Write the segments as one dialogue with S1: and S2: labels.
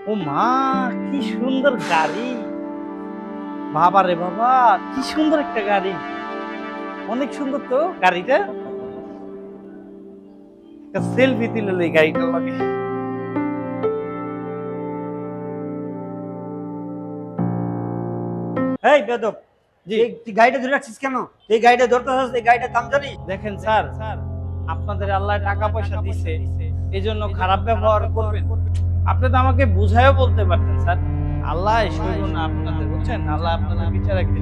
S1: ও মা, কি সুন্দর গাড়ি! বাবা রে বাবা, কি সুন্দর একটা গাড়ি! অনেক সুন্দর তো গাড়িটা। একটা সেলফি তুলে এই গাড়িটার লাগে।
S2: এই বেদব,
S1: জি,
S2: তুই গাড়িটা ধরে রাখছিস কেন? এই গাড়িটা ধরতে হচ্ছে, এই গাড়িটার দাম জানিস?
S1: দেখেন স্যার, আপনাদের আল্লাহ টাকা পয়সা দিছে, এই জন্য খারাপ ব্যবহার করবেন? আপনি তো আমাকে বুঝায়ও বলতে পারতেন স্যার। আল্লাহ সইব না আপনাদের, বুঝছেন? আল্লাহ আপনাদের বিচার একদিন।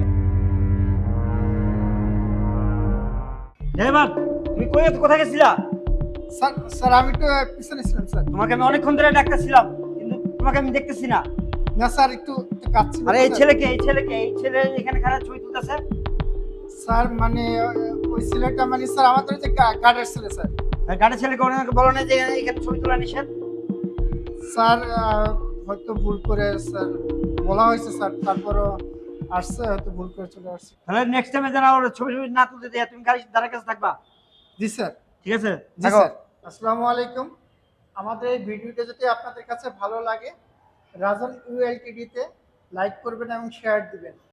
S2: ড্রাইভার, তুমি কোথায় গেছিলা?
S3: স্যার স্যার আমি তো পিছনে ছিলাম স্যার।
S2: তোমাকে আমি অনেকক্ষণ ধরে ডাকতেছিলাম, কিন্তু তোমাকে আমি দেখতেছি না।
S3: না স্যার, একটু একটু কাজ ছিল
S2: আরে
S3: তো,
S2: এই
S3: স্যার।
S2: ছেলেকে, এই ছেলে এখানে খারাপ ছবি তুলতেছে।
S3: স্যার মানে ওই ছেলেটা মানে স্যার আমাদের যে গার্ডের ছেলে স্যার।
S2: গাড়ির ছেলেকে অনেক বলো না যে এখানে ছবি তোলা নিষেধ।
S3: স্যার হয়তো ভুল করে স্যার বলা হয়েছে স্যার, তারপরও আসছে, হয়তো ভুল করে চলে আসছে।
S2: তাহলে নেক্সট টাইমে যেন ওর ছবি না তুলতে দেয়, তুমি গাড়ির দ্বারা কাছে থাকবা।
S3: জি স্যার।
S2: ঠিক আছে,
S3: জি
S2: থাকো।
S3: স্যার। আসসালামু আলাইকুম। আমাদের এই ভিডিওটা যদি আপনাদের কাছে ভালো লাগে, রাজন ইউএলটিডি তে লাইক করবেন এবং শেয়ার দিবেন।